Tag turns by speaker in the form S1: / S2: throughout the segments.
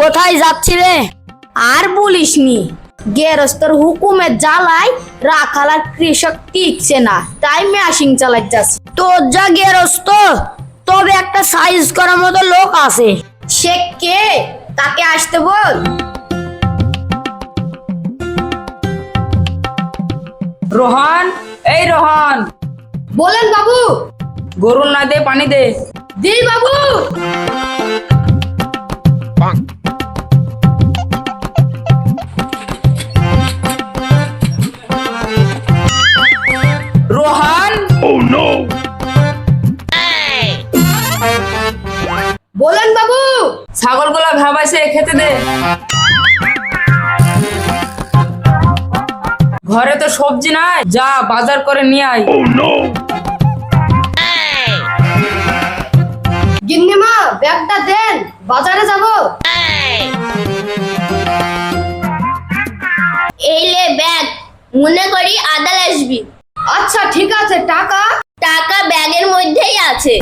S1: কোথায় যাচ্ছি রে? আর বলিসনি, গেরস্তর হুকুমের জ্বালায় রাখাল আর কৃষক টিকছে না, তাই মেশিন চালাই যাচ্ছে। তোর যা গেরস্ত, তবে একটা সাইজ করার মতো লোক আছে। সে কে? তাকে আসতে বল।
S2: রোহন, এই রোহন।
S1: বলেন বাবু।
S2: গরুর না দে, পানি দে।
S1: দি বাবু।
S2: রোহন।
S1: বলেন বাবু।
S2: ছাগলগুলো ভাবাইছে, খেতে দে। ঘরে তো সবজি নাই, যা বাজার করে নিয়ে আয়।
S1: গিন্নিমা, ব্যাগটা দেন, বাজারে যাব। এই লে ব্যাগ, মনে করি আদাল আসবি। আচ্ছা ঠিক আছে। টাকা? টাকা ব্যাগের মধ্যেই আছে।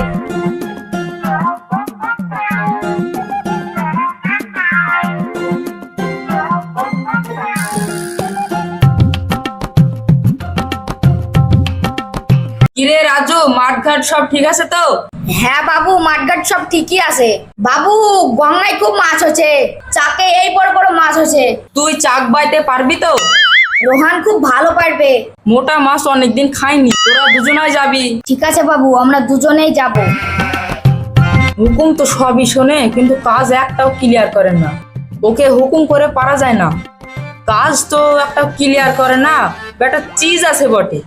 S2: কিরে রাজু, মাঠঘাট সব ঠিক আছে তো?
S1: হ্যাঁ বাবু, মাঠঘাট সব ঠিকই আছে। বাবু, গঙ্গায় খুব মাছ হচ্ছে, চাকে এই বড় বড় মাছ হচ্ছে।
S2: তুই চাক বাইতে পারবি তো?
S1: রোহান খুব ভালো পারবে।
S2: মোটা মাছ অনেকদিন খাইনি, তোরা দুজনাই যাবি।
S1: ঠিক আছে বাবু, আমরা দুজনেই যাব।
S2: হুকুম তো সবই শোনে, কিন্তু কাজ একটাও ক্লিয়ার করেন না। ওকে হুকুম করে পারা যায় না, কাজ তো একটাও ক্লিয়ার করে না। বেটা চিজ আছে বটে।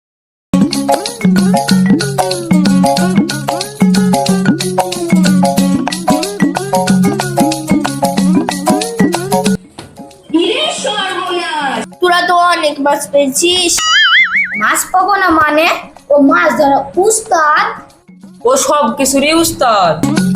S1: তোরা তো অনেক মাছ পেয়েছিস। মাছ পাবো না মানে? ও মাছ ধরা উস্তাদ।
S2: ও সব কিছুরই উস্তাদ।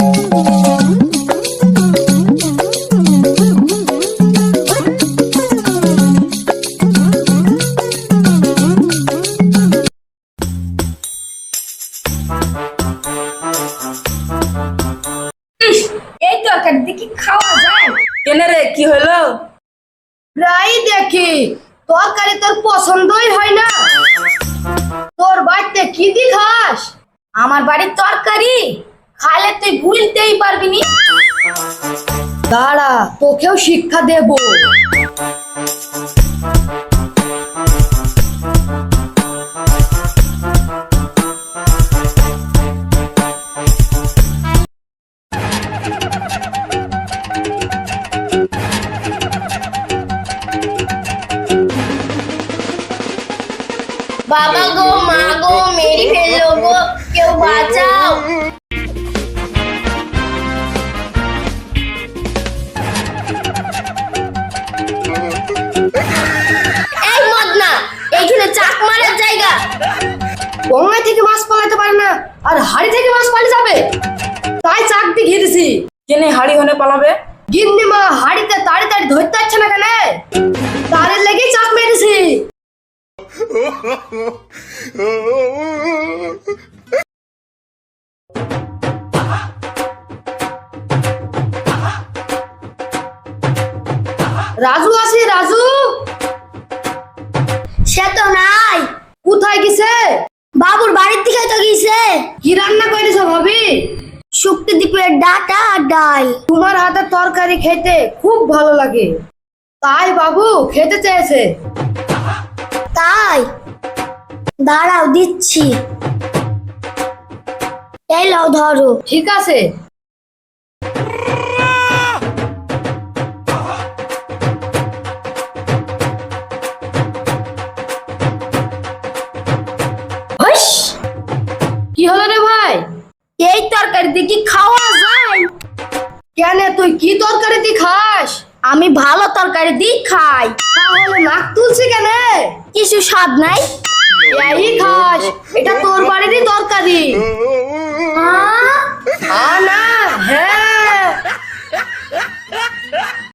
S1: এই তরকারি দেখি খাওয়া যায়?
S2: কেনে রে, কি হলো?
S1: প্রায় দেখি তরকারি তোর পছন্দই হয় না। তোর বাড়িতে কি দি খাস? আমার বাড়ির তরকারি খাইলে তুই ভুলতেই পারবি নি। দাঁড়া, তোকেও শিক্ষা দেব। বাবা গো, মা গো, মেরে ফেললো গো, কেউ বাঁচাও। এই মদনা, এইখানে চাক মারার জায়গা। গঙ্গা থেকে মাছ পালাতে পারে না, আর হাড়ি থেকে মাছ পালিয়ে যাবে, তাই চাক দিয়ে ঘিরেছি।
S2: কেনে হাড়ি হনে পালাবে?
S1: গিন্নিমা হাড়িতে তাড়াতাড়ি ধরতে পারছে না কেন, তারের লেগেই চাক মেরেছি। রাজু আছে? রাজু সে তো নাই। কোথায় গেছে? বাবুর বাড়ির দিকে তো গেছে। কি রান্না করেছ ভাবি? শুক্তি দ্বীপের ডাটা আর ডাল। তোমার হাতের তরকারি খেতে খুব ভালো লাগে, তাই বাবু খেতে চেয়েছে। তাই? দাঁড়াও, দিচ্ছি। এই লাও, ধরো। ঠিক আছে। কি হলো রে ভাই? এই তরকারি দিয়ে কি খাওয়া যায়? কেন, তুই কি তরকারি দিয়ে খাস? আমি ভালো তরকারি দিয়ে খাই। তাহলে নাক তুলছি কেন? কিছু স্বাদ নাই? এই খাস, এটা তোর বাড়িরই তরকারি। না, হ্যাঁ